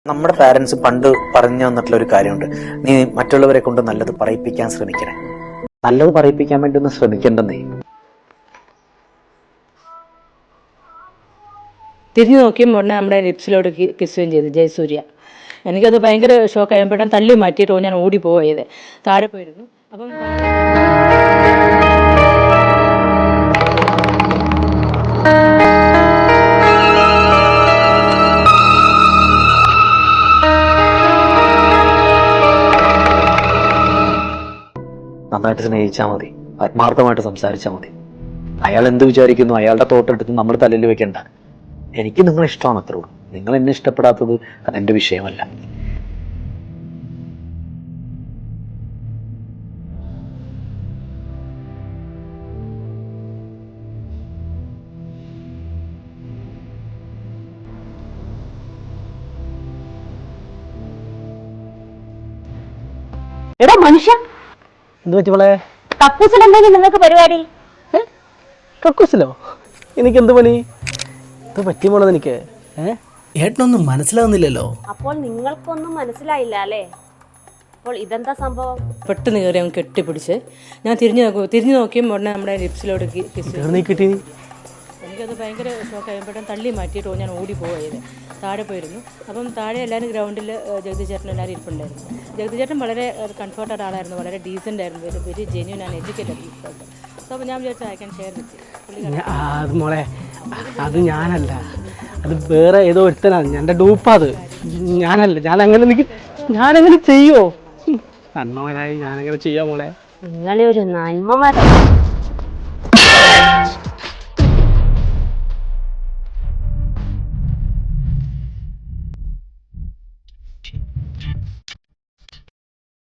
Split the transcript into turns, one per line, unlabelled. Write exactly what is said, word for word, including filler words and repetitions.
നമ്മുടെ പാരന്റ്സ് പണ്ട് പറഞ്ഞു തന്നിട്ടുള്ള ഒരു കാര്യമുണ്ട്, നീ മറ്റുള്ളവരെ കൊണ്ട് നല്ലത് പറയിപ്പിക്കാൻ ശ്രമിക്കണേ. നല്ലത് പറയിപ്പിക്കാൻ വേണ്ടി ഒന്ന് ശ്രമിക്കണ്ടെന്നേ.
തിരിഞ്ഞു നോക്കിയപ്പോൾ ഉടനെ നമ്മുടെ ലിപ്സിലോട്ട് കിസ്സുകയും ചെയ്തു ജയസൂര്യ. എനിക്കത് ഭയങ്കര ഷോക്ക് ആയപ്പോഴും തള്ളി മാറ്റിയിട്ട് ഞാൻ ഓടി പോയത് താഴെ പോയിരുന്നു. അപ്പം
നന്നായിട്ട് സ്നേഹിച്ചാൽ മതി, ആത്മാർത്ഥമായിട്ട് സംസാരിച്ചാൽ മതി. അയാൾ എന്ത് വിചാരിക്കുന്നു അയാളുടെ തോട്ടെടുത്ത് നമ്മൾ തലയിൽ വെക്കണ്ട. എനിക്ക് നിങ്ങളെ ഇഷ്ടമാണ്, അത്രേ ഉള്ളൂ. നിങ്ങൾ എന്നെ ഇഷ്ടപ്പെടാത്തത് അതെന്റെ വിഷയമല്ല.
എടാ മനുഷ്യ,
എന്ത് പറ്റിയോളെ?
കക്കൂസിൽ എന്തെങ്കിലും നിങ്ങൾക്ക് പരിപാടി?
കക്കൂസിലോ? എനിക്ക് എന്ത് പണി? ഇത് പറ്റിയുമ്പോളത് എനിക്ക്
ഏട്ടനൊന്നും മനസ്സിലാവുന്നില്ലല്ലോ.
അപ്പോൾ നിങ്ങൾക്കൊന്നും മനസ്സിലായില്ല അല്ലേ? അപ്പോൾ ഇതെന്താ സംഭവം?
പെട്ടെന്ന് കയറി അങ്ങ് കെട്ടിപ്പിടിച്ച് ഞാൻ തിരിഞ്ഞു നോക്കും തിരിഞ്ഞു നോക്കിയപ്പോൾ ഉടനെ നമ്മുടെ ലിപ്സിലോട്ട് കിസ്.
നീ കിട്ടി.
എനിക്കത് ഭയങ്കര ഷോക്ക് ആയപ്പോഴും തള്ളി മാറ്റിയിട്ട് ഞാൻ ഓടി പോയത് താഴെ പോയിരുന്നു. അപ്പം താഴെ എല്ലാവരും ഗ്രൗണ്ടിൽ ജഗതി ചേട്ടൻ എല്ലാവരും ഇരിപ്പുണ്ടായിരുന്നു. ജഗതി ചേട്ടൻ വളരെ കംഫർട്ടഡ് ആളായിരുന്നു, വളരെ ഡീസൻ്റ് ആയിരുന്നു, very very genuine and educated people. So അപ്പോൾ ഞാൻ വിചാരിച്ചു ഐ ക്യാൻ ഷെയർ വിത്ത്.
അത് മോളെ, അത് ഞാനല്ല, അത് വേറെ ഏതോ ഒരുത്തനാണ്. എൻ്റെ ഡൂപ്പാ അത്. ഞാനല്ല. ഞാൻ അങ്ങനെ എനിക്ക് ഞാനങ്ങനെ ചെയ്യോ? നന്മകനായി ഞാനങ്ങനെ ചെയ്യാം മോളെ.
നിങ്ങളെ ഒരു നന്മ